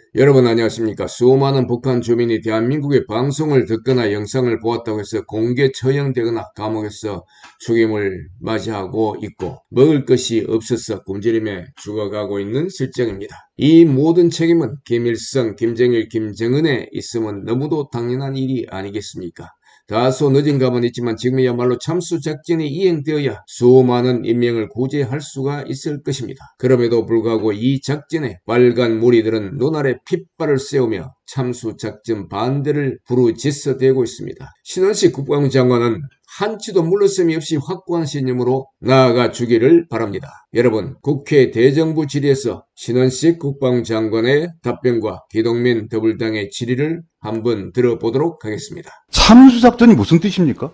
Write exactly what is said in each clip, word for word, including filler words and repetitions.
여러분 안녕하십니까? 수많은 북한 주민이 대한민국의 방송을 듣거나 영상을 보았다고 해서 공개 처형되거나 감옥에서 죽임을 맞이하고 있고 먹을 것이 없어서 굶주림에 죽어가고 있는 실정입니다. 이 모든 책임은 김일성, 김정일, 김정은에 있으면 너무도 당연한 일이 아니겠습니까? 다소 늦은 감은 있지만 지금이야말로 참수작전이 이행되어야 수많은 인명을 구제할 수가 있을 것입니다. 그럼에도 불구하고 이 작전에 빨간 무리들은 눈알에 핏발을 세우며 참수작전 반대를 부르짖어대고 있습니다. 신원식 국방장관은 한치도 물러섬이 없이 확고한 신념으로 나아가 주기를 바랍니다. 여러분, 국회 대정부 질의에서 신원식 국방장관의 답변과 기동민 더불당의 질의를 한번 들어보도록 하겠습니다. 참수작전이 무슨 뜻입니까?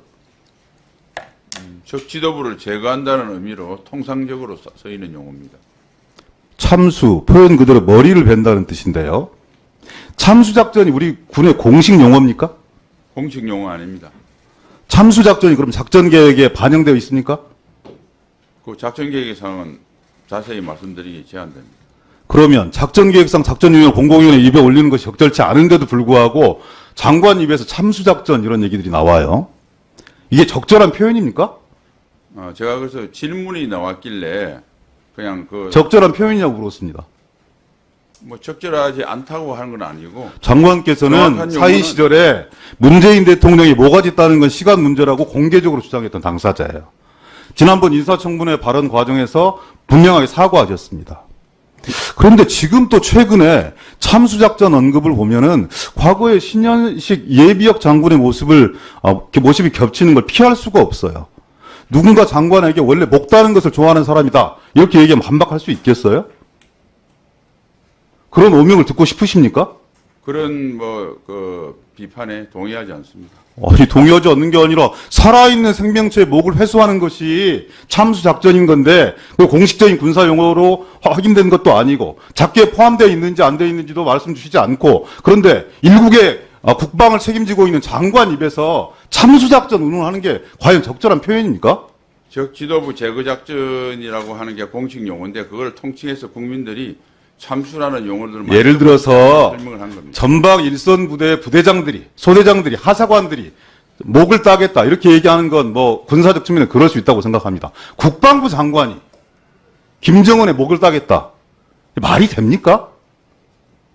적 지도부를 제거한다는 의미로 통상적으로 쓰이는 용어입니다. 참수, 표현 그대로 머리를 벤다는 뜻인데요. 참수작전이 우리 군의 공식 용어입니까? 공식 용어 아닙니다. 참수작전이 그럼 작전계획에 반영되어 있습니까? 그 작전계획상은 자세히 말씀드리기 제한됩니다. 그러면 작전계획상 작전유형 공공위원회 입에 올리는 것이 적절치 않은데도 불구하고 장관 입에서 참수작전 이런 얘기들이 나와요. 이게 적절한 표현입니까? 어, 제가 그래서 질문이 나왔길래 그냥 그 적절한 표현이냐고 물었습니다. 뭐 적절하지 않다고 하는 건 아니고 장관께서는 정확한 사의 용어는- 시절에 문재인 대통령이 뭐가지 따는 건 시간 문제라고 공개적으로 주장했던 당사자예요. 지난번 인사청문회 발언 과정에서 분명하게 사과하셨습니다. 그런데 지금 또 최근에 참수작전 언급을 보면은 과거의 신현식 예비역 장군의 모습을 어, 모습이 겹치는 걸 피할 수가 없어요. 누군가 장관에게 원래 목 다는 것을 좋아하는 사람이다 이렇게 얘기하면 반박할 수 있겠어요? 그런 오명을 듣고 싶으십니까? 그런 뭐 그 비판에 동의하지 않습니다. 아니, 동의하지 않는 게 아니라 살아있는 생명체의 목을 회수하는 것이 참수작전인 건데 그 공식적인 군사용어로 확인된 것도 아니고 작계에 포함되어 있는지 안 되어 있는지도 말씀 주시지 않고 그런데 일국의 국방을 책임지고 있는 장관 입에서 참수작전 운운하는 게 과연 적절한 표현입니까? 적 지도부 제거 작전이라고 하는 게 공식 용어인데 그걸 통칭해서 국민들이 참수라는 용어들을 예를 들어서 설명을 한 겁니다. 전방 일선 부대 부대장들이 소대장들이 하사관들이 목을 따겠다 이렇게 얘기하는 건 뭐 군사적 측면에 그럴 수 있다고 생각합니다. 국방부 장관이 김정은의 목을 따겠다 말이 됩니까?